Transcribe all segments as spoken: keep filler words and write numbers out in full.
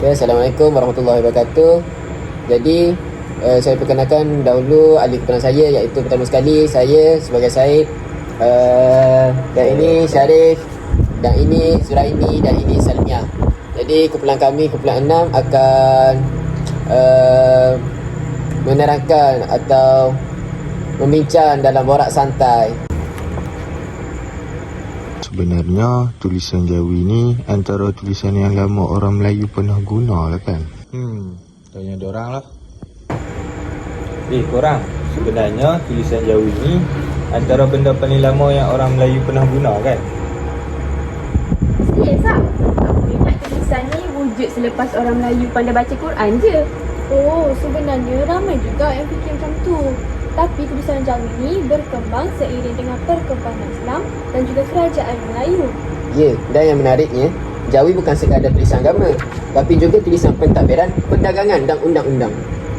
Ya, Assalamualaikum warahmatullahi wabarakatuh. Jadi, uh, saya perkenalkan dahulu ahli keperluan saya, iaitu pertama sekali saya sebagai Syed, uh, dan ini Syarif, dan ini Zuraini, dan ini Salmiah. Jadi kumpulan kami, kumpulan enam akan uh, menerangkan atau membincang dalam borak santai. Sebenarnya tulisan Jawi ni antara tulisan yang lama orang Melayu pernah guna lah kan? Hmm, tanya diorang lah. Eh korang, sebenarnya tulisan Jawi ni antara benda paling lama yang orang Melayu pernah guna kan? Serius tak? Aku ingat tulisan ni wujud selepas orang Melayu pandai baca Quran je. Oh, sebenarnya ramai juga yang fikir macam tu. Tapi tulisan Jawi ni berkembang seiring dengan perkembangan Islam dan juga kerajaan Melayu. Ya, dan yang menariknya, Jawi bukan sekadar tulisan agama, tapi juga tulisan pentadbiran, perdagangan dan undang-undang.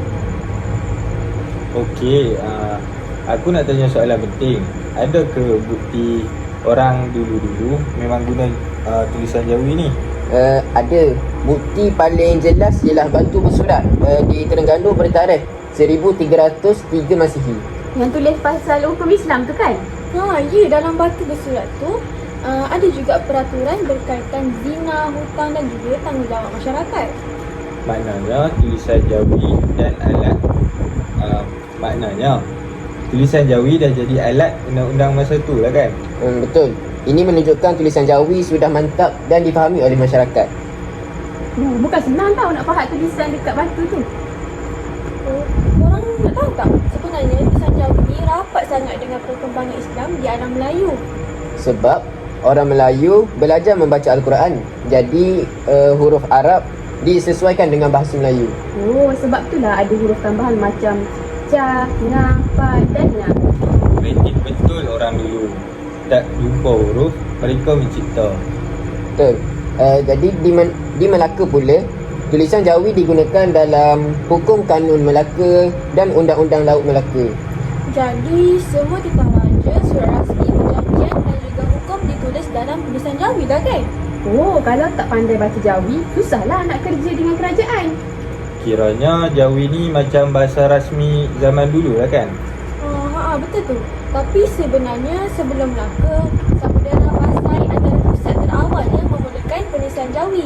Okey, uh, aku nak tanya soalan penting. Ada ke bukti orang dulu-dulu memang guna uh, tulisan Jawi ni? Uh, ada. Bukti paling jelas ialah batu bersurat uh, di Terengganu bertarikh seribu tiga ratus tiga Masihi. Yang tulis pasal hukum Islam tu kan? Ha, ya, dalam batu bersurat tu uh, ada juga peraturan berkaitan zina, hutang dan juga tanggungjawab masyarakat. Maknanya tulisan Jawi dan alat uh, Maknanya tulisan Jawi dah jadi alat undang-undang masa tu lah kan? Hmm, betul. Ini menunjukkan tulisan Jawi sudah mantap dan difahami oleh masyarakat. Oh, bukan senang tau nak faham tulisan dekat batu tu. Oh, korang nak tahu tak? Sebenarnya tulisan Jawi ni rapat sangat dengan perkembangan Islam di alam Melayu. Sebab orang Melayu belajar membaca Al-Quran. Jadi uh, huruf Arab disesuaikan dengan bahasa Melayu. Oh, sebab itulah ada huruf tambahan macam ca, na, pa dan na. Kreatif betul orang dulu. Tak lupa huruf, mereka mencipta. Betul. Uh, jadi di, Man- di Melaka pula, tulisan Jawi digunakan dalam hukum kanun Melaka dan undang-undang laut Melaka. Jadi semua titah raja, surat rasmi, perjanjian dan juga hukum ditulis dalam tulisan Jawi lah kan? Oh, kalau tak pandai baca Jawi, susahlah nak kerja dengan kerajaan. Kiranya Jawi ni macam bahasa rasmi zaman dulu lah kan? Oh, ha, betul tu. Tapi sebenarnya sebelum Melaka, Samudera Pasai adalah pusat terawal yang memulakan penulisan Jawi.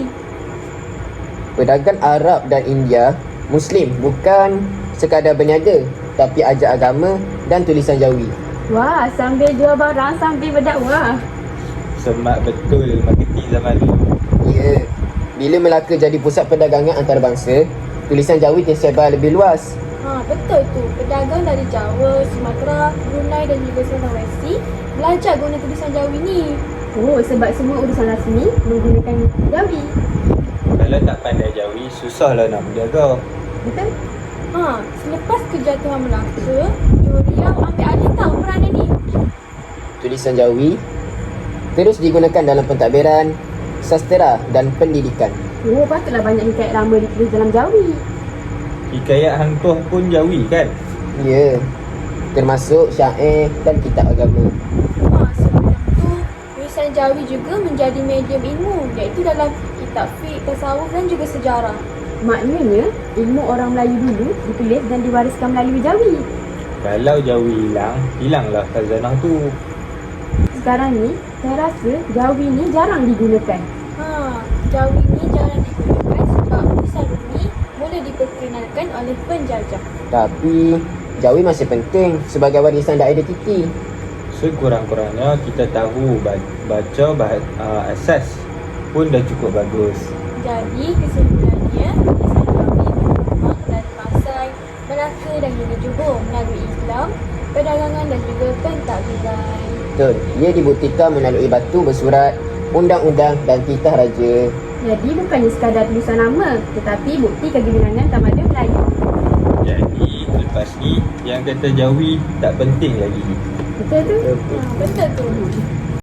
Pedagang Arab dan India Muslim bukan sekadar berniaga, tapi ajar agama dan tulisan Jawi. Wah, sambil jual barang sambil berdakwah. Semak betul marketing zaman dulu. Ya, bila Melaka jadi pusat perdagangan antarabangsa, tulisan Jawi tersebar lebih luas. Ha, betul tu. Pedagang dari Jawa, Sumatera, Brunei dan juga Sulawesi belajar guna tulisan Jawi ni. Oh, sebab semua urusan rasmi menggunakan Jawi. Kalau tak pandai Jawi, susahlah nak berniaga. Betul? Ha, selepas kejatuhan Melaka, Yuriau ambil alih tahu peranan ni. Tulisan Jawi terus digunakan dalam pentadbiran, sastera dan pendidikan. Oh, patutlah banyak hikayat lama ditulis dalam Jawi. Hikayat hangtuh pun Jawi kan? Ya, termasuk syair dan kitab agama. Ha, sebelum tu, tulisan Jawi juga menjadi medium ilmu, iaitu dalam kitab fiqh, tasawuf dan juga sejarah. Maknanya, ilmu orang Melayu dulu ditulis dan diwariskan melalui Jawi. Kalau Jawi hilang, hilanglah khazanah tu. Sekarang ni, saya rasa Jawi ni jarang digunakan. Ha, Jawi ni jarang digunakan sebab tulisan ini mula diperkenalkan oleh penjajah. Tapi Jawi masih penting sebagai warisan dan identiti. Sekurang-kurangnya kita tahu baca bahasa uh, asas pun dah cukup bagus. Jadi kesimpulannya, tulisan Jawi berkembang dari Pasai, Melaka dan juga Johor melalui Islam, perdagangan dan juga pentadbiran. Betul. Ia dibuktikan melalui batu bersurat, undang-undang dan titah raja. Jadi bukannya sekadar tulisan nama, tetapi bukti kegemilangan tamadun Melayu. Jadi lepas ni yang kata Jawi tak penting lagi. Betul tu? Ha, betul tu.